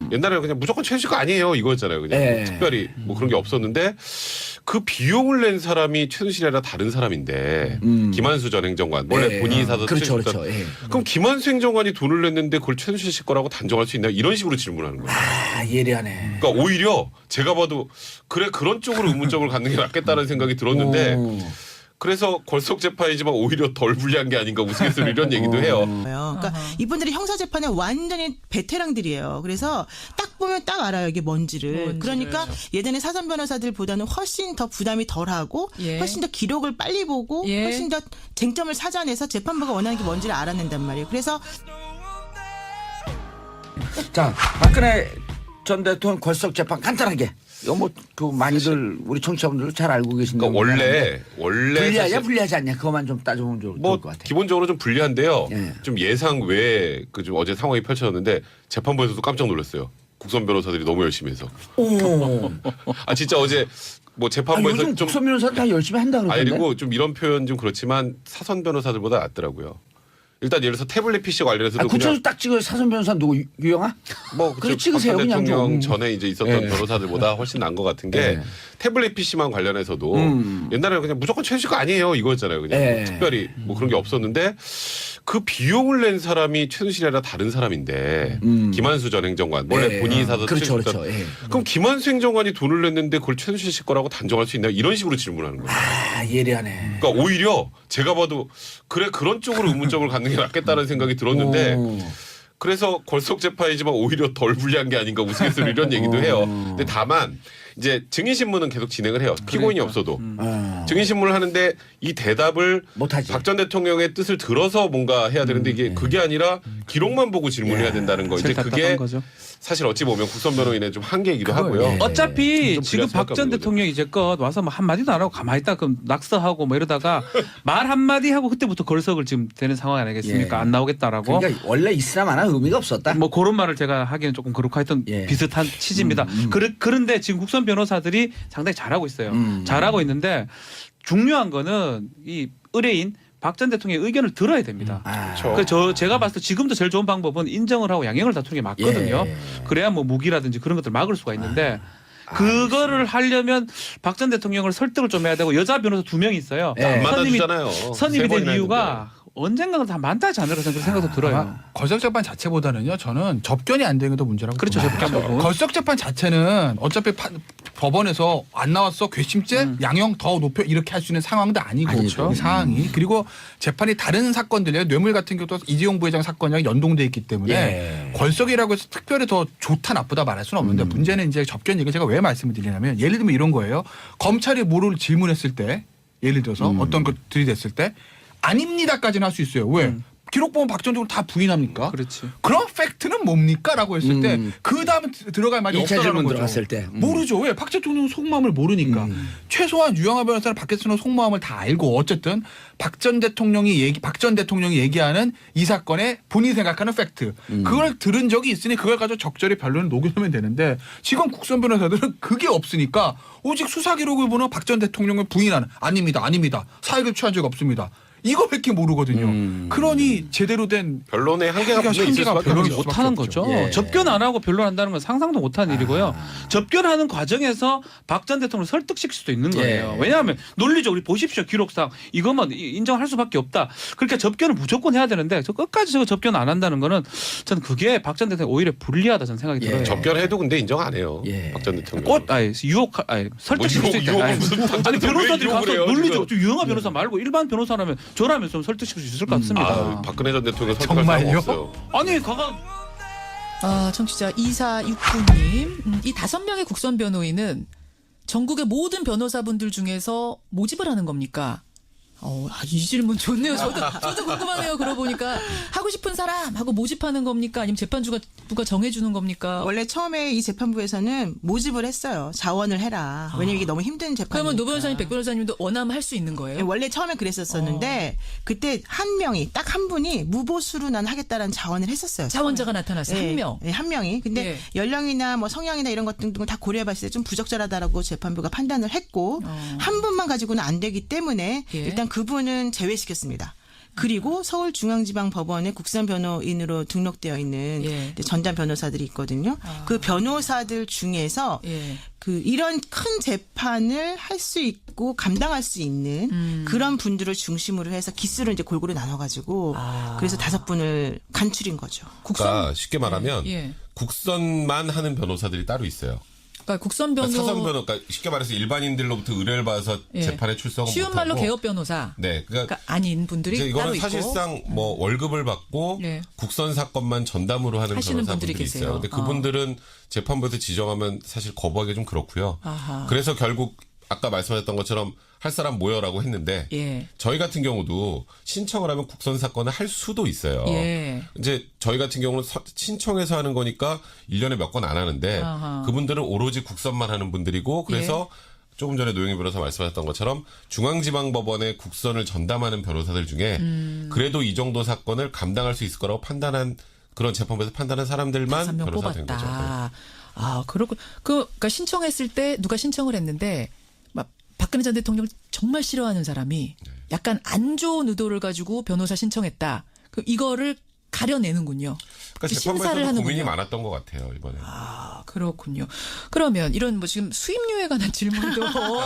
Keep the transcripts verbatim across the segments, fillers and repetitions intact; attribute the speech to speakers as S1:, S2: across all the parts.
S1: 옛날에는 그냥 무조건 최순실 거 아니에요 이거였잖아요. 그냥
S2: 예.
S1: 뭐 특별히 뭐 그런 게 없었는데 그 비용을 낸 사람이 최순실이 아니라 다른 사람인데
S2: 음.
S1: 김한수 전 행정관 원래
S2: 예.
S1: 본인이 사서
S2: 그렇죠,
S1: 최순실
S2: 그렇죠. 예.
S1: 그럼 김한수 행정관이 돈을 냈는데 그걸 최순실 씨 거라고 단정할 수 있나 이런 식으로 질문하는 거예요.
S2: 아, 예리하네.
S1: 그러니까 오히려 제가 봐도 그래 그런 쪽으로 의문점을 갖는 게 낫겠다는 생각이 들었는데
S2: 오.
S1: 그래서 걸석 재판이지만 오히려 덜 불리한 게 아닌가 우스갯소리 이런 얘기도 해요.
S3: 그러니까
S4: 아하.
S3: 이분들이 형사재판에 완전히 베테랑들이에요. 그래서 딱 보면 딱 알아요. 이게 뭔지를.
S4: 뭔지를.
S3: 그러니까 예전에 사전 변호사들보다는 훨씬 더 부담이 덜하고
S4: 예.
S3: 훨씬 더 기록을 빨리 보고
S4: 예.
S3: 훨씬 더 쟁점을 찾아내서 재판부가 원하는 게 뭔지를 알아낸단 말이에요. 그래서
S2: 자, 박근혜 전 대통령 걸석 재판 간단하게. 이거 뭐 그 많이들 우리 청취자분들도 잘 알고 계신
S1: 그러니까
S2: 내용이긴
S1: 원래
S2: 한데
S1: 원래
S2: 불리하냐
S1: 사실
S2: 불리하지 않냐 그것만 좀 따져보면 좋을
S1: 뭐
S2: 것 같아요.
S1: 기본적으로 좀 불리한데요.
S2: 예.
S1: 좀 예상 외에 그 좀 어제 상황이 펼쳐졌는데 재판부에서도 깜짝 놀랐어요. 국선 변호사들이 너무 열심히 해서.
S2: 오.
S1: 아 진짜 어제 뭐
S2: 아,
S1: 재판부에서
S2: 요즘
S1: 좀
S2: 국선 변호사 다 열심히 한다
S1: 아니
S2: 그러던데.
S1: 그리고 좀 이런 표현 좀 그렇지만 사선 변호사들보다 낫더라고요. 일단 예를 들어서 태블릿 피씨 관련해서도
S2: 아,
S1: 그냥
S2: 구체적으로 딱 찍어요. 사선 변호사 누구 유- 유영아?
S1: 뭐
S2: 그래
S1: 그쪽
S2: 찍으세요,
S1: 박근혜
S2: 그냥
S1: 대통령
S2: 좀.
S1: 전에 이제 있었던
S2: 예.
S1: 변호사들보다 훨씬 나은 것 같은 게
S2: 예.
S1: 태블릿 피씨만 관련해서도
S2: 음.
S1: 옛날에는 그냥 무조건 최순실 거 아니에요 이거였잖아요. 그냥
S2: 예.
S1: 뭐 특별히 뭐 그런 게 없었는데 그 비용을 낸 사람이 최순실이 아니라 다른 사람인데
S2: 음.
S1: 김한수 전 행정관 원래
S2: 예.
S1: 본인이 사서
S2: 그렇죠,
S1: 최순실
S2: 그렇죠. 예.
S1: 그럼 김한수 행정관이 돈을 냈는데 그걸 최순실 씨 거라고 단정할 수 있나 이런 식으로 질문하는 거예요.
S2: 아, 예리하네.
S1: 그러니까 오히려 제가 봐도 그래 그런 쪽으로 의문점을 갖는 게 낫겠다는 생각이 들었는데
S2: 오.
S1: 그래서 걸석 재판이지만 오히려 덜 불리한 게 아닌가 우스갯소리 이런 얘기도 해요. 근데 다만 이제 증인 신문은 계속 진행을 해요. 피고인이 없어도
S2: 어.
S1: 증인 신문을 하는데 이 대답을
S2: 못하지.
S1: 박 전 대통령의 뜻을 들어서 뭔가 해야 되는데 이게 그게 아니라 기록만 보고 질문해야 된다는 거 이제
S5: 제일
S1: 그게
S5: 답답한 거죠.
S1: 사실 어찌 보면 국선 변호인의 좀 한계이기도
S2: 그거,
S1: 하고요.
S2: 예.
S5: 어차피
S1: 좀
S5: 지금
S1: 불리할
S5: 박 전
S1: 수밖에 없는
S5: 대통령 이제껏 와서 뭐 한마디도 안 하고 가만히 있다 그럼 낙서하고 뭐 이러다가 말 한마디 하고 그때부터 걸석을 지금 되는 상황 아니겠습니까?
S2: 예.
S5: 안 나오겠다라고.
S2: 그러니까 원래 있으나 마나 의미가 없었다.
S5: 뭐 그런 말을 제가 하기는 조금 그렇고 하여튼
S2: 예.
S5: 비슷한 취지입니다.
S2: 음, 음.
S5: 그르, 그런데 지금 국선 변호사들이 상당히 잘하고 있어요.
S2: 음.
S5: 잘하고 있는데 중요한 거는 이 의뢰인 박 전 대통령의 의견을 들어야 됩니다.
S2: 아.
S1: 그렇죠.
S5: 그 저 제가 봤을 때 지금도 제일 좋은 방법은 인정을 하고 양형을 다투는 게 맞거든요.
S2: 예.
S5: 그래야 뭐 무기라든지 그런 것들 막을 수가 있는데 그거를 하려면 박 전 대통령을 설득을 좀 해야 되고 여자 변호사 두 명이 있어요.
S2: 예.
S1: 안
S5: 선임이
S1: 만나주잖아요.
S5: 선임이
S1: 세
S5: 된
S1: 번이나
S5: 이유가 언젠가는 다 만나지 않을까 그런 생각도 들어요.
S6: 아마 걸석 재판 자체보다는요. 저는 접견이 안 되는 게 더 문제라고
S5: 그렇죠.
S6: 봅니다.
S5: 접견 부분.
S6: 걸석 재판 자체는 어차피 파- 법원에서 안 나왔어 괘씸죄
S5: 음.
S6: 양형 더 높여 이렇게 할 수 있는 상황도 아니고
S2: 아니죠.
S6: 이 상황이 그리고 재판이 다른 사건들이요 뇌물 같은 경우도 이재용 부회장 사건이랑 연동돼 있기 때문에
S2: 예.
S6: 걸석이라고 해서 특별히 더 좋다 나쁘다 말할 수는 없는데
S2: 음.
S6: 문제는 이제 접견 얘기 제가 왜 말씀을 드리냐면 예를 들면 이런 거예요. 검찰이 뭐를 질문했을 때 예를 들어서
S2: 음.
S6: 어떤 것들이 됐을 때 아닙니다까지는 할 수 있어요. 왜?
S5: 음.
S6: 기록 보면 박 전 대통령 다 부인합니까?
S5: 그렇지.
S6: 그런 팩트는 뭡니까? 라고 했을
S2: 음.
S6: 때 그 다음에 들어갈 말이
S2: 일 차
S6: 없다라는
S2: 질문
S6: 거죠.
S2: 들어갔을 때. 음.
S6: 모르죠. 왜? 박 대통령은 속마음을 모르니까.
S2: 음.
S6: 최소한 유영하 변호사는 박 대통령 속마음을 다 알고 어쨌든 박 전 대통령이 얘기 박 전 대통령이 얘기하는 이 사건의 본인이 생각하는 팩트.
S2: 음.
S6: 그걸 들은 적이 있으니 그걸 가지고 적절히 변론을 녹여내면 되는데 지금 국선 변호사들은 그게 없으니까 오직 수사 기록을 보는 박 전 대통령을 부인하는 아닙니다. 아닙니다. 사익을 취한 적 없습니다. 이거밖에 모르거든요.
S2: 음.
S6: 그러니 제대로 된
S1: 변론의 한계가
S6: 한계가
S1: 분명히 있을 수밖에
S6: 변론이
S1: 없죠.
S6: 못
S5: 못하는
S6: 없죠.
S5: 거죠.
S2: 예.
S5: 접견 안 하고 변론한다는 건 상상도 못하는 일이고요. 접견하는 과정에서 박 전 대통령을 설득시킬 수도 있는 거예요.
S2: 예.
S5: 왜냐하면 논리적으로 보십시오. 기록상 이것만 이- 인정할 수밖에 없다. 그러니까 접견을 무조건 해야 되는데 저 끝까지 저거 접견 안 한다는 거는 저는 그게 박 전 대통령 오히려 불리하다 저는 생각이
S2: 예.
S5: 들어요.
S1: 접견해도 근데 인정 안 해요.
S2: 예.
S1: 박 전 대통령.
S5: 꽃 아니 유혹 아니 설득시킬
S1: 뭐
S5: 수 있다.
S1: 유혹,
S5: 아니,
S1: 유혹은 무슨 박
S5: 아니
S1: 전 대통령
S5: 변호사들이
S1: 왜
S5: 가서
S1: 유혹을 해요,
S5: 논리적
S1: 지금?
S5: 유영하 변호사 말고 일반 변호사라면 저라면 좀 설득시킬 수 있을 것 같습니다.
S1: 아, 박근혜 전 대통령 설득할
S6: 정말요?
S1: 사람 없어요.
S5: 아니 가가
S4: 아, 청취자 이사육구 님. 음, 이 다섯 명의 국선 변호인은 전국의 모든 변호사분들 중에서 모집을 하는 겁니까? 어, 아, 이 질문 좋네요. 저도, 저도 궁금하네요. 그러고 보니까 하고 싶은 사람 하고 모집하는 겁니까? 아니면 재판주가 누가 정해주는 겁니까?
S3: 원래 처음에 이 재판부에서는 모집을 했어요. 자원을 해라. 왜냐면 이게 너무 힘든 재판이니까.
S4: 그러면 노 변호사님, 백 변호사님도 원하면 할 수 있는 거예요?
S3: 원래 처음에 그랬었었는데 그때 한 명이 딱 한 분이 무보수로 난 하겠다라는 자원을 했었어요.
S4: 자원자가 나타났어요.
S3: 네,
S4: 한 명.
S3: 네, 한 명이. 근데
S4: 예.
S3: 연령이나 뭐 성향이나 이런 것 등등을 다 고려해봤을 때 좀 부적절하다라고 재판부가 판단을 했고
S4: 어.
S3: 한 분만 가지고는 안 되기 때문에
S4: 예.
S3: 일단 그분은 제외시켰습니다. 그리고 서울중앙지방법원에 국선 변호인으로 등록되어 있는
S4: 예.
S3: 이제 전담 변호사들이 있거든요. 그 변호사들 중에서
S4: 예.
S3: 그 이런 큰 재판을 할 수 있고 감당할 수 있는
S4: 음.
S3: 그런 분들을 중심으로 해서 기수를 이제 골고루 나눠가지고
S4: 아.
S3: 그래서 다섯 분을 간출인 거죠.
S1: 그러니까 쉽게 말하면
S4: 예.
S1: 국선만 하는 변호사들이 따로 있어요.
S4: 그러니까 국선 변호
S1: 그러니까 사선 변호, 그러니까 쉽게 말해서 일반인들로부터 의뢰를 받아서
S4: 예.
S1: 재판에 출석은
S4: 쉬운 말로
S1: 못하고.
S4: 개업 변호사.
S1: 네, 그러니까,
S4: 그러니까 아닌 분들이
S1: 이제
S4: 따로
S1: 이거는
S4: 있고.
S1: 사실상 뭐 월급을 받고
S4: 예.
S1: 국선 사건만 전담으로 하는
S4: 하시는
S1: 변호사분들이
S4: 분들이
S1: 있어요.
S4: 계세요.
S1: 근데 그분들은 재판부에서 지정하면 사실 거부하기 좀 그렇고요.
S4: 아하.
S1: 그래서 결국 아까 말씀하셨던 것처럼 할 사람 모여라고 했는데
S4: 예.
S1: 저희 같은 경우도 신청을 하면 국선 사건을 할 수도 있어요.
S4: 예.
S1: 이제 저희 같은 경우는 서- 신청해서 하는 거니까 일 년에 몇 건 안 하는데
S4: 아하.
S1: 그분들은 오로지 국선만 하는 분들이고 그래서 조금 전에 노영희 변호사 말씀하셨던 것처럼 중앙지방법원에 국선을 전담하는 변호사들 중에
S4: 음.
S1: 그래도 이 정도 사건을 감당할 수 있을 거라고 판단한 그런 재판부에서 판단한 사람들만
S4: 다섯 명
S1: 변호사 된 거죠. 네.
S4: 뽑았다. 아, 그렇고 그 그러니까 신청했을 때 누가 신청을 했는데 막 박근혜 전 대통령을 정말 싫어하는 사람이
S1: 네.
S4: 약간 안 좋은 의도를 가지고 변호사 신청했다. 그 이거를 가려내는군요.
S1: 그러니까
S4: 심사를
S1: 재판부에서도
S4: 하는군요.
S1: 고민이 많았던 것 같아요 이번에.
S4: 아, 그렇군요. 그러면 이런 뭐 지금 수임료에 관한 질문도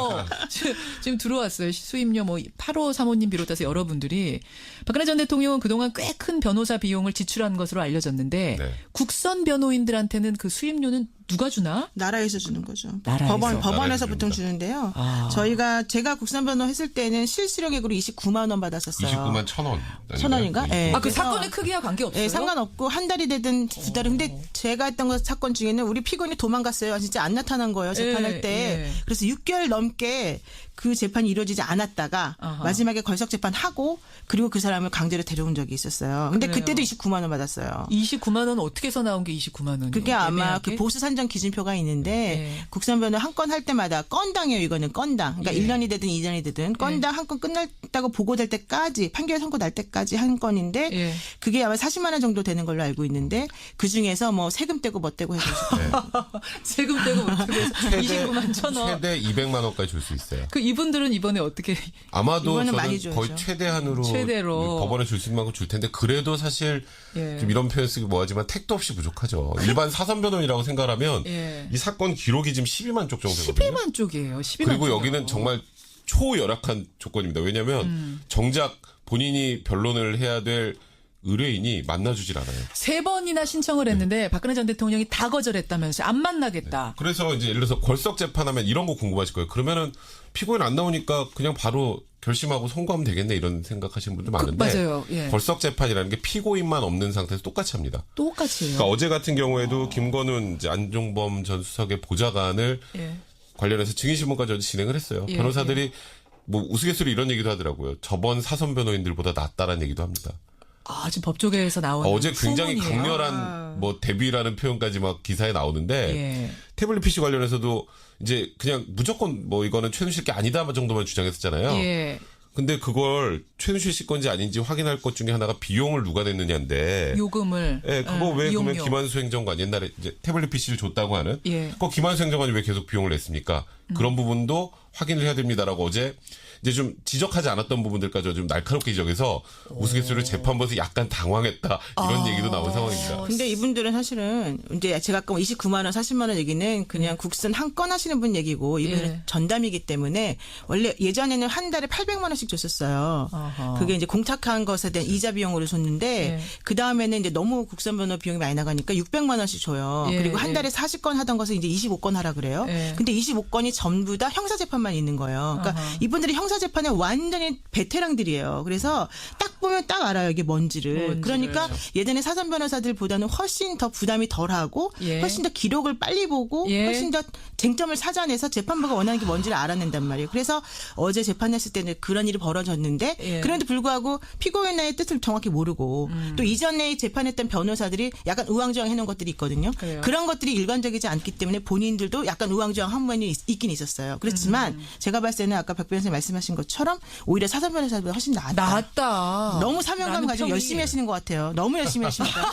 S4: 지금- 지금 들어왔어요. 수임료 뭐 팔오삼오님 비롯해서 여러분들이 박근혜 전 대통령은 그동안 꽤 큰 변호사 비용을 지출한 것으로 알려졌는데
S1: 네.
S4: 국선 변호인들한테는 그 수임료는 누가 주나?
S3: 나라에서 주는 거죠.
S4: 나라에서.
S3: 법원 법원에서
S1: 나라에서
S3: 보통
S1: 줍니다.
S3: 주는데요.
S4: 아.
S3: 저희가 제가 국선 변호 했을 때는 실수령액으로 이십구만 원 받았었어요.
S1: 이십구만 천 원.
S3: 천 원인가? 예.
S4: 아, 그
S3: 그래서-
S4: 사건의 크기와 관계없어요?
S3: 네, 상관없고 한 달이 되든 두 달은. 근데 제가 했던 거 사건 중에는 우리 피고인이 도망갔어요. 진짜 안 나타난 거예요. 재판할
S4: 예,
S3: 때.
S4: 예.
S3: 그래서 육 개월 넘게 그 재판이 이루어지지 않았다가
S4: 아하.
S3: 마지막에 걸석 재판하고 그리고 그 사람을 강제로 데려온 적이 있었어요. 근데
S4: 그래요.
S3: 그때도 이십구만 원 받았어요.
S4: 이십구만 원 어떻게 해서 나온 게 이십구만 원이요?
S3: 그게 아마 그 보수 산정 기준표가 있는데
S4: 예.
S3: 국선 변호 한 건 할 때마다 건당이에요. 이거는 건당. 그러니까
S4: 예.
S3: 일 년이 되든 이 년이 되든 건당 한 건 끝났다고 보고될 때까지 판결 선고 날 때까지 한 건인데
S4: 예.
S3: 그게 아마 사십만 원 정도 되는 걸로 알고 있는데 그 중에서 뭐 세금 떼고 뭐 떼고 해서
S4: 세금 떼고 어떻게 해서 이십구만 천 원.
S1: 최대 이백만 원까지 줄 수 있어요.
S4: 그 이분들은 이번에 어떻게
S1: 아마도
S3: 이거는
S1: 저는
S3: 많이 줘야죠.
S1: 거의 최대한으로
S4: 최대로.
S1: 법원에 줄 수 있는 만큼 줄 텐데 그래도 사실
S4: 예.
S1: 좀 이런 표현 쓰기 뭐하지만 택도 없이 부족하죠. 일반 사선 변호인이라고 생각하면
S4: 예.
S1: 이 사건 기록이 지금 십이만 쪽 정도 되거든요.
S4: 십이만 쪽이에요. 십이만
S1: 그리고
S4: 쪽이요.
S1: 여기는 정말 초열악한 조건입니다. 왜냐하면
S4: 음.
S1: 정작 본인이 변론을 해야 될 의뢰인이 만나주질 않아요.
S4: 세 번이나 신청을 했는데 박근혜 전 대통령이 다 거절했다면서요. 안 만나겠다.
S1: 그래서 이제 예를 들어서 걸석 재판하면 이런 거 궁금하실 거예요. 그러면은 피고인 안 나오니까 그냥 바로 결심하고 선고하면 되겠네 이런 생각하시는 분들 많은데
S4: 맞아요. 예.
S1: 걸석 재판이라는 게 피고인만 없는 상태에서 똑같이 합니다.
S4: 똑같이 해요.
S1: 그러니까 어제 같은 경우에도 김건훈 이제 안종범 전 수석의 보좌관을
S4: 예.
S1: 관련해서 증인신문까지 어제 진행을 했어요.
S4: 예,
S1: 변호사들이 뭐 우스갯소리 이런 얘기도 하더라고요. 저번 사선 변호인들보다 낫다라는 얘기도 합니다.
S4: 아, 지금 법조계에서 나오는
S1: 어제 굉장히
S4: 소문이에요.
S1: 강렬한 뭐 대비라는 표현까지 막 기사에 나오는데
S4: 예.
S1: 태블릿 피씨 관련해서도 이제 그냥 무조건 뭐 이거는 최순실 게 아니다 정도만 주장했었잖아요.
S4: 예.
S1: 근데 그걸 최순실 씨 건지 아닌지 확인할 것 중에 하나가 비용을 누가 냈느냐인데.
S4: 요금을.
S1: 예, 그거
S4: 어,
S1: 왜
S4: 이용료.
S1: 그러면 김한수 행정관 옛날에 이제 태블릿 피씨를 줬다고 하는.
S4: 예.
S1: 그거 김한수 행정관이 왜 계속 비용을 냈습니까?
S4: 음.
S1: 그런 부분도 확인을 해야 됩니다라고 어제 이제 좀 지적하지 않았던 부분들까지 좀 날카롭게 지적해서 우스갯소리로 재판부에서 약간 당황했다 이런
S4: 아.
S1: 얘기도 나온 상황입니다.
S3: 근데 이분들은 사실은 이제 제가 아까 이십구만 원, 사십만 원 얘기는 그냥 국선 한 건 하시는 분 얘기고 이분은
S4: 예.
S3: 전담이기 때문에 원래 예전에는 한 달에 팔백만 원씩 줬었어요.
S4: 아하.
S3: 그게 이제 공탁한 것에 대한 이자 비용으로 줬는데
S4: 예.
S3: 그 다음에는 이제 너무 국선 변호 비용이 많이 나가니까 육백만 원씩 줘요.
S4: 예,
S3: 그리고 한
S4: 예.
S3: 달에 사십 건 하던 것을 이제 이십오 건 하라 그래요.
S4: 예.
S3: 근데 이십오 건이 전부 다 형사 재판만 있는 거예요. 그러니까
S4: 아하.
S3: 이분들이 형사 재판에 완전히 베테랑들이에요. 그래서 딱 보면 딱 알아요. 이게 뭔지를.
S4: 뭔지를.
S3: 그러니까 예전에 사전 변호사들보다는 훨씬 더 부담이 덜하고
S4: 예.
S3: 훨씬 더 기록을 빨리 보고
S4: 예.
S3: 훨씬 더 쟁점을 찾아내서 재판부가 원하는 게 뭔지를 알아낸단 말이에요. 그래서 어제 재판했을 때는 그런 일이 벌어졌는데
S4: 예.
S3: 그런데 불구하고 피고인의 뜻을 정확히 모르고
S4: 음.
S3: 또 이전에 재판했던 변호사들이 약간 우왕좌왕 해놓은 것들이 있거든요.
S4: 그래요.
S3: 그런 것들이 일관적이지 않기 때문에 본인들도 약간 우왕좌왕 한 부분이 있- 있긴 있었어요. 그렇지만
S4: 음.
S3: 제가 봤을 때는 아까 박 변호사님 말씀하신 것처럼 오히려 사전 변호사보다 훨씬 나았다.
S4: 나았다.
S3: 너무 사명감
S4: 라는
S3: 가지고
S4: 평이-
S3: 열심히 하시는 것 같아요. 너무 열심히 하십니다.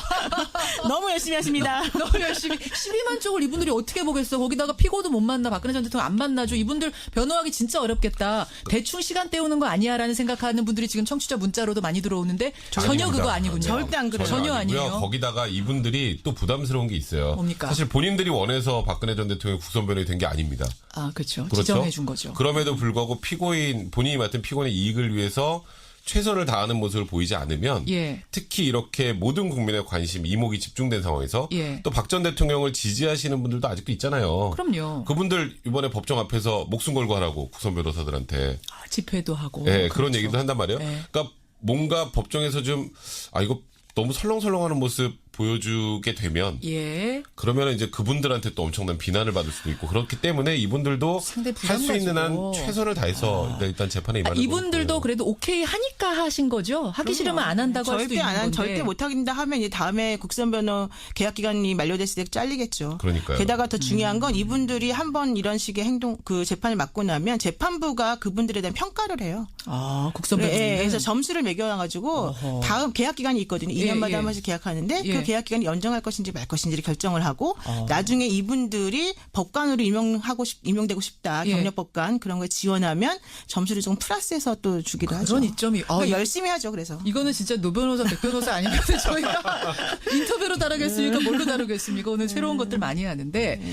S3: 너무 열심히 하십니다.
S4: 너무 열심히 십이만 쪽을 이분들이 어떻게 보겠어. 거기다가 피고도 못 만나. 박근혜 전 대통령 안 만나죠. 이분들 변호하기 진짜 어렵겠다. 대충 시간 때우는 거 아니야라는 생각하는 분들이 지금 청취자 문자로도 많이 들어오는데 전혀
S1: 아닙니다.
S4: 그거 아니군요.
S3: 절대 안 그래요.
S4: 전혀
S1: 아니고요.
S4: 아니에요.
S1: 거기다가 이분들이 또 부담스러운 게 있어요.
S4: 뭡니까?
S1: 사실 본인들이 원해서 박근혜 전 대통령 국선 변호인이 된 게 아닙니다.
S4: 아, 그렇죠.
S1: 그렇죠?
S4: 지정해 준 거죠.
S1: 그럼에도 불구하고 피고인 본인이 맡은 피고인의 이익을 위해서 최선을 다하는 모습을 보이지 않으면
S4: 예.
S1: 특히 이렇게 모든 국민의 관심 이목이 집중된 상황에서
S4: 예.
S1: 또 박 전 대통령을 지지하시는 분들도 아직도 있잖아요.
S4: 그럼요.
S1: 그분들 이번에 법정 앞에서 목숨 걸고 하라고 국선 변호사들한테
S4: 아, 집회도 하고.
S1: 예, 그런
S4: 그렇죠.
S1: 얘기도 한단 말이에요.
S4: 네.
S1: 그러니까 뭔가 법정에서 좀 아 이거 너무 설렁설렁하는 모습 보여주게 되면
S4: 예.
S1: 그러면 이제 그분들한테 또 엄청난 비난을 받을 수도 있고 그렇기 때문에 이분들도
S4: 상당히
S1: 할 수 있는 한
S4: 부담가지고.
S1: 최선을 다해서 일단 재판에
S4: 아,
S1: 임하는 것
S4: 이분들도
S1: 같고요.
S4: 그래도 오케이 하니까 하신 거죠? 하기 싫으면 안 한다고 할 수도
S3: 절대
S4: 있는
S3: 안 한,
S4: 건데.
S3: 절대 못 하긴다 하면 이제 다음에 국선 변호 계약 기간이 만료됐을 때 잘리겠죠.
S1: 그러니까요.
S3: 게다가 더 중요한
S4: 음.
S3: 건 이분들이 한번 이런 식의 행동 그 재판을 맡고 나면 재판부가 그분들에 대한 평가를 해요.
S4: 아, 국선
S3: 네,
S4: 변호사는.
S3: 그래서 점수를 매겨가지고
S4: 어허.
S3: 다음 계약 기간이 있거든요. 이
S4: 예,
S3: 년마다
S4: 예.
S3: 한 번씩 계약하는데
S4: 예.
S3: 그 계약 기간이 연장할 것인지 말 것인지를 결정을 하고
S4: 어.
S3: 나중에 이분들이 법관으로 임명하고 싶, 임명되고 싶다
S4: 예.
S3: 경력 법관 그런 거에 지원하면 점수를 좀 플러스해서 또 주기도 하죠.
S4: 그런 이점이. 아,
S3: 그러니까
S4: 이-
S3: 열심히 하죠. 그래서.
S4: 이거는 진짜 노 변호사, 백 변호사 아니면 저희가 인터뷰로 다루겠습니까? 뭘로 다루겠습니까? 오늘 새로운 것들 많이 하는데.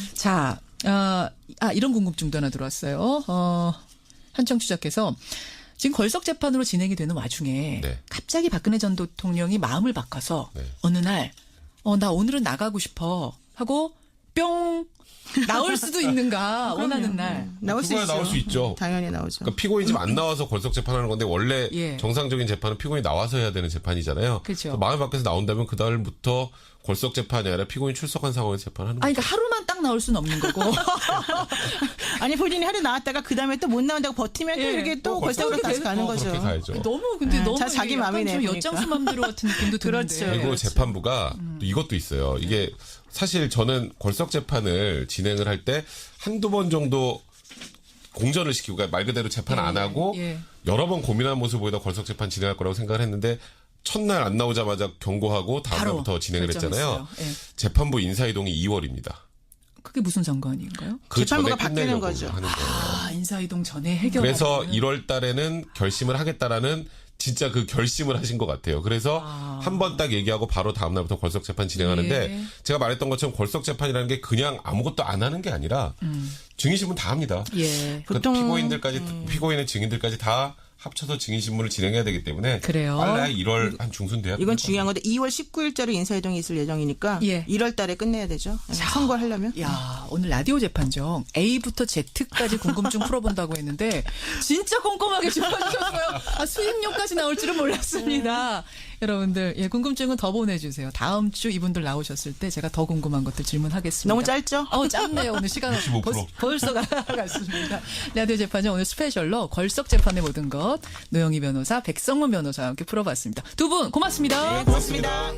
S4: 자, 아, 아, 이런 궁금증도 하나 들어왔어요. 어, 한 청취자께서 지금 걸석 재판으로 진행이 되는 와중에
S1: 네.
S4: 갑자기 박근혜 전 대통령이 마음을 바꿔서
S1: 네.
S4: 어느 날, 어, 나 오늘은 나가고 싶어 하고 뿅 나올 수도 있는가 원하는 날.
S3: 나올 수
S1: 그거야
S3: 있죠.
S1: 나올 수 있죠.
S3: 당연히 나오죠.
S1: 그러니까 피고인 지금 안 나와서 걸석 재판하는 건데 원래
S4: 예.
S1: 정상적인 재판은 피고인이 나와서 해야 되는 재판이잖아요.
S4: 그렇죠.
S1: 마음을 바꿔서 나온다면 그 달부터 걸석 재판이 아니라 피고인 출석한 상황에서 재판하는
S4: 아니,
S1: 거죠.
S4: 그러니까 하루만 딱 나올 수는 없는 거고.
S3: 아니 본인이 하루 나왔다가 그 다음에 또 못 나온다고 버티면 또
S4: 예.
S3: 이렇게 또
S1: 어,
S3: 벌써로
S1: 그렇게
S3: 다시
S1: 계속
S3: 가는
S1: 또
S3: 거죠.
S1: 그렇게 가야죠.
S4: 너무 근데
S3: 네,
S4: 너무
S3: 자, 자기
S4: 이게 약간
S3: 마음이네,
S4: 좀
S3: 보니까.
S4: 엿장수 맘대로 같은 느낌도 드는데.
S3: 그렇죠.
S1: 그리고 재판부가 또 이것도 있어요. 이게 사실 저는 걸석 재판을 진행을 할 때 한두 번 정도 공전을 시키고 그러니까 말 그대로 재판 안 하고
S4: 예.
S1: 여러 번 고민한 모습을 보이다 걸석 재판 진행할 거라고 생각을 했는데 첫날 안 나오자마자 경고하고 다음
S4: 바로
S1: 날부터 진행을 했잖아요.
S4: 결정했어요. 예.
S1: 재판부 인사이동이 이월입니다.
S4: 그게 무슨 상관인가요?
S1: 그
S3: 재판부가
S1: 전에
S3: 바뀌는
S1: 끝내려고
S3: 거죠.
S1: 하는 거예요.
S4: 아, 인사이동 전에 해결.
S1: 그래서 일월 달에는 결심을 하겠다라는 진짜 그 결심을 하신 것 같아요. 그래서
S4: 아.
S1: 한 번 딱 얘기하고 바로 다음 날부터 걸석 재판 진행하는데
S4: 예.
S1: 제가 말했던 것처럼 걸석 재판이라는 게 그냥 아무것도 안 하는 게 아니라 증인신문 다 합니다.
S4: 예.
S1: 그
S3: 보통,
S1: 피고인들까지 피고인의 증인들까지 다 합쳐서 증인신문을 진행해야 되기 때문에
S4: 그래요?
S1: 빨리 일월 한 중순 돼야
S3: 이건 중요한 건데 이월 십구일자로 인사이동이 있을 예정이니까
S4: 예.
S3: 일월 달에 끝내야 되죠. 선거를 하려면.
S4: 야, 오늘 라디오 재판정 A부터 Z까지 궁금증 풀어본다고 했는데 진짜 꼼꼼하게 짚어주셨어요. 아, 수입료까지 나올 줄은 몰랐습니다. 여러분들, 예, 궁금증은 더 보내주세요. 다음 주 이분들 나오셨을 때 제가 더 궁금한 것들 질문하겠습니다.
S3: 너무 짧죠?
S4: 어, 짧네요. 오늘 시간
S1: 육십오 퍼센트.
S4: 벌써, 벌써 갔습니다. 라디오 재판정 오늘 스페셜로 걸석 재판의 모든 것 노영희 변호사, 백성문 변호사와 함께 풀어봤습니다. 두 분 고맙습니다.
S3: 네, 고맙습니다.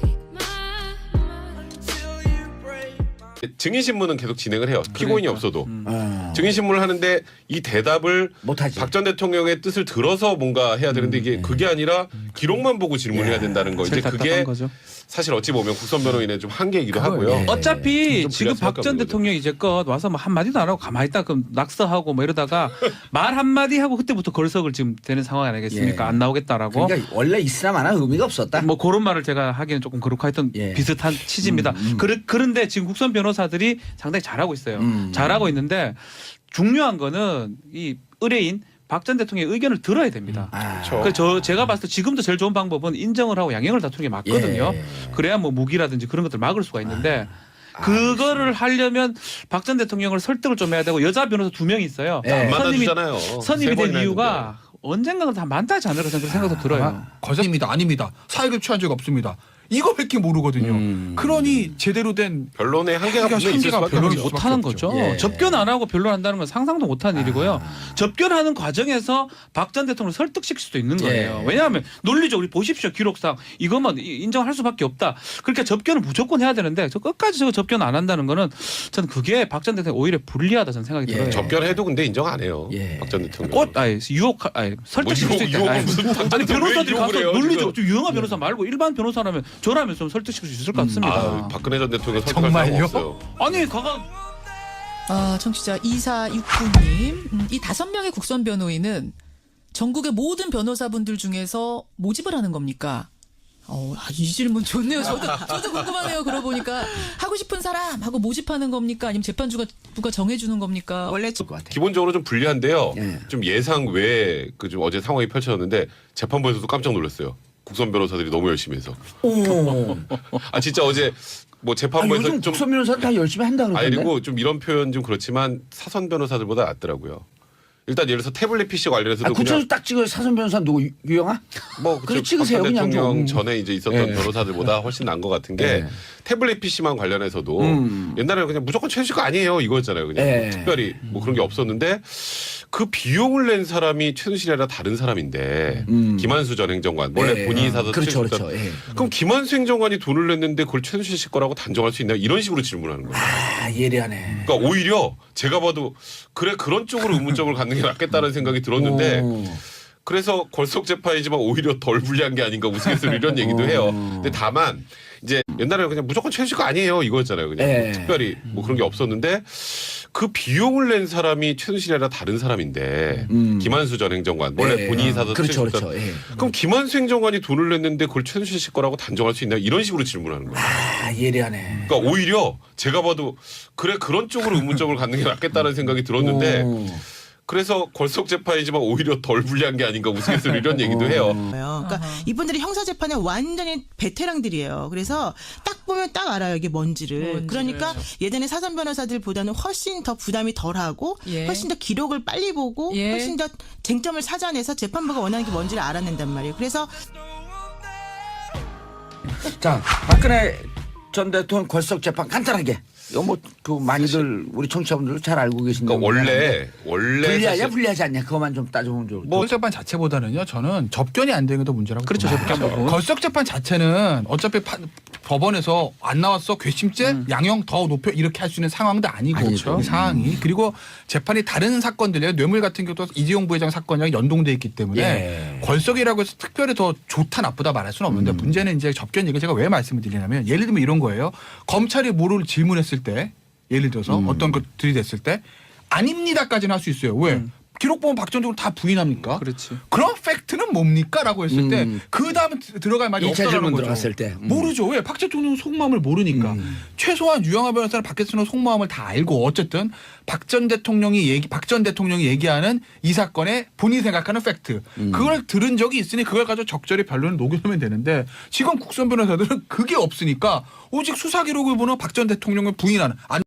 S1: 증인신문은 계속 진행을 해요. 피고인이 없어도.
S2: 어.
S1: 증인신문을 하는데 이 대답을
S2: 못하지.
S1: 박 전 대통령의 뜻을 들어서 뭔가 해야 되는데 이게 그게 아니라 기록만 보고 질문해야 된다는 거. 이제
S5: 제일 답답한
S1: 그게
S5: 거죠.
S1: 사실 어찌 보면 국선 변호인의 좀 한계이기도 하고요.
S2: 예.
S5: 어차피
S1: 좀
S5: 지금
S1: 불리할
S5: 박 전
S1: 수밖에 없는
S5: 대통령이 이제껏 와서 뭐 한마디도 안 하고 가만히 있다 그럼 낙서하고 뭐 이러다가 말 한마디 하고 그때부터 걸석을 지금 되는 상황 아니겠습니까?
S2: 예.
S5: 안 나오겠다라고.
S2: 그러니까 원래 있으나 마나 의미가 없었다.
S5: 뭐 그런 말을 제가 하기는 조금 그렇고 하여튼
S2: 예.
S5: 비슷한 취지입니다.
S2: 음, 음.
S5: 그르, 그런데 지금 국선 변호사들이 상당히 잘하고 있어요.
S2: 음.
S5: 잘하고 있는데 중요한 거는 이 의뢰인 박 전 대통령의 의견을 들어야 됩니다.
S2: 아.
S1: 그렇죠.
S5: 그저 제가 봤을 때 지금도 제일 좋은 방법은 인정을 하고 양형을 다투는 게 맞거든요.
S2: 예.
S5: 그래야 뭐 무기라든지 그런 것들 막을 수가 있는데 그거를 하려면 박 전 대통령을 설득을 좀 해야 되고 여자 변호사 두 명이 있어요.
S2: 예.
S1: 안
S5: 선임이
S1: 만나주잖아요.
S5: 선임이
S1: 세
S5: 된
S1: 번이나
S5: 이유가 언젠가는 다 만나지 않을까 저는 그런 생각도 들어요.
S6: 거짓입니다. 아닙니다. 사익을 취한 적 없습니다. 이거밖에 모르거든요.
S2: 음.
S6: 그러니 제대로 된
S1: 변론의 한계가
S6: 한계가
S1: 분명히 있을
S6: 한계가
S1: 수밖에
S6: 변론이
S1: 없죠.
S6: 수밖에
S5: 못하는
S6: 없죠.
S5: 거죠.
S2: 예.
S5: 접견 안 하고 변론한다는 건 상상도 못하는 일이고요. 접견하는 과정에서 박 전 대통령을 설득시킬 수도 있는 거예요.
S2: 예.
S5: 왜냐하면 논리적으로 보십시오. 기록상 이것만 이- 인정할 수밖에 없다. 그러니까 접견을 무조건 해야 되는데 저 끝까지 저거 접견 안 한다는 거는 저는 그게 박 전 대통령 오히려 불리하다 저는 생각이
S2: 예.
S5: 들어요.
S1: 접견해도 근데 인정 안 해요.
S2: 예.
S1: 박 전 대통령.
S5: 꽃, 아니 유혹, 아니 설득시킬
S1: 뭐
S5: 수
S1: 유혹,
S5: 있다.
S1: 유혹은
S5: 아니,
S1: 무슨
S5: 아니
S1: 당장에
S5: 변호사들이
S1: 왜
S5: 가서
S1: 유혹을 해요,
S5: 논리적,
S1: 지금.
S5: 좀 유용한 변호사 말고 일반 변호사라면 저라면 좀 설득시킬 수 있을 것 같습니다.
S1: 아, 박근혜 전 대통령 설득할
S6: 정말요?
S1: 사람 없어요.
S5: 아니 가가
S4: 아, 청취자 이사육구님, 음, 이 다섯 명의 국선 변호인은 전국의 모든 변호사분들 중에서 모집을 하는 겁니까? 어, 아, 이 질문 좋네요. 저도, 저도 궁금하네요. 그러고 보니까 하고 싶은 사람 하고 모집하는 겁니까? 아니면 재판주가 누가 정해주는 겁니까?
S3: 원래
S2: 것 같아요.
S1: 기본적으로 좀 불리한데요.
S2: 예.
S1: 좀 예상 외에 그 좀 어제 상황이 펼쳐졌는데 재판부에서도 깜짝 놀랐어요. 국선 변호사들이 너무 열심히 해서.
S2: 오.
S1: 아 진짜 어제 뭐
S2: 아,
S1: 재판부에서
S2: 요즘
S1: 좀
S2: 국선 변호사 다 열심히 한다
S1: 아니
S2: 그러던데.
S1: 그리고 좀 이런 표현 좀 그렇지만 사선 변호사들보다 낫더라고요. 일단 예를 들어서 태블릿 피씨 관련해서도
S2: 아,
S1: 그냥
S2: 국선에서 딱 찍어요. 사선 변호사 누구 유- 유영아?
S1: 뭐
S2: 그래,
S1: 그쪽
S2: 찍으세요,
S1: 박전
S2: 그냥
S1: 대통령
S2: 좀.
S1: 전에 이제 있었던
S2: 예.
S1: 변호사들보다 훨씬 나은 것 같은 게
S2: 예.
S1: 태블릿 피씨만 관련해서도
S2: 음.
S1: 옛날에는 그냥 무조건 최순실 거 아니에요 이거였잖아요. 그냥
S2: 예.
S1: 특별히 뭐 그런 게 없었는데 그 비용을 낸 사람이 최순실이 아니라 다른 사람인데
S2: 음.
S1: 김한수 전 행정관 원래
S2: 예.
S1: 본인이 사서
S2: 그렇죠,
S1: 최순실
S2: 그렇죠. 예.
S1: 그럼 김한수 행정관이 돈을 냈는데 그걸 최순실 씨 거라고 단정할 수 있나요? 이런 식으로 질문하는 거예요.
S2: 아, 예리하네.
S1: 그러니까 오히려 제가 봐도 그래 그런 쪽으로 의문점을 갖는 게 낫겠다는 생각이 들었는데
S2: 오.
S1: 그래서 걸석 재판이지만 오히려 덜 불리한 게 아닌가 우스갯소리 이런 얘기도 해요. 근데 다만 이제 옛날에는 그냥 무조건 최순실 거 아니에요 이거였잖아요. 그냥
S2: 예.
S1: 뭐 특별히 뭐 그런 게 없었는데 그 비용을 낸 사람이 최순실이 아니라 다른 사람인데
S2: 음.
S1: 김한수 전 행정관 원래
S2: 예.
S1: 본인이 사서
S2: 그렇죠,
S1: 최순실
S2: 그렇죠. 예.
S1: 그럼 김한수 행정관이 돈을 냈는데 그걸 최순실 씨 거라고 단정할 수 있나요? 이런 식으로 질문하는 거예요.
S2: 아, 예리하네.
S1: 그러니까 오히려 제가 봐도 그래 그런 쪽으로 의문점을 갖는 게 낫겠다는 생각이 들었는데
S2: 오.
S1: 그래서 걸석 재판이지만 오히려 덜 불리한 게 아닌가 우스갯소리 이런 얘기도 해요.
S3: 거예요. 그러니까 이분들이 형사 재판에 완전히 베테랑들이에요. 그래서 딱 보면 딱 알아요 이게 뭔지를.
S4: 뭔지를.
S3: 그러니까 예전에 사선 변호사들보다는 훨씬 더 부담이 덜하고
S4: 예.
S3: 훨씬 더 기록을 빨리 보고
S4: 예.
S3: 훨씬 더 쟁점을 찾아내서 재판부가 원하는 게 뭔지를 알아낸단 말이에요. 그래서
S2: 자, 박근혜 전 대통령 걸석 재판 간단하게. 이거 뭐 그 많이들 우리 청취자분들도 잘 알고 계신
S1: 그러니까
S2: 내용이긴
S1: 원래
S2: 한데
S1: 원래
S2: 불리하냐
S1: 사실
S2: 불리하지 않냐 그것만 좀 따져보면 좋을
S6: 뭐 재판 자체보다는요. 저는 접견이 안 되는 게 더 문제라고.
S5: 그렇죠,
S6: 봅니다.
S5: 접견 부분.
S6: 걸석 재판 자체는 어차피 파- 법원에서 안 나왔어 괘씸죄 양형 더 높여 이렇게 할 수 있는 상황도 아니고
S2: 아니죠.
S6: 이 상황이 그리고 재판이 다른 사건들이요 뇌물 같은 경우도 이재용 부회장 사건이랑 연동돼 있기 때문에
S2: 예.
S6: 걸석이라고 해서 특별히 더 좋다 나쁘다 말할 수는 없는데 문제는 이제 접견 얘기 제가 왜 말씀을 드리냐면 예를 들면 이런 거예요. 검찰이 뭐를 질문했을 때 예를 들어서 어떤 것 들이댔을 때 아닙니다까지는 할 수 있어요. 왜? 기록 보면 박 전 대통령 다 부인합니까?
S5: 그렇지.
S6: 그런 팩트는 뭡니까?라고 했을 때
S2: 음.
S6: 그 다음에 들어갈 말이
S2: 일 차
S6: 없다라는
S2: 질문
S6: 거죠.
S2: 들어갔을 때. 음.
S6: 모르죠. 왜? 박 대통령 속마음을 모르니까. 최소한 유영하 변호사는 박 대통령 속마음을 다 알고 어쨌든 박 전 대통령이 얘기 박 전 대통령이 얘기하는 이 사건의 본인이 생각하는 팩트 그걸 들은 적이 있으니 그걸 가지고 적절히 변론을 녹여내면 되는데 지금 국선 변호사들은 그게 없으니까 오직 수사 기록을 보는 박 전 대통령을 부인하는.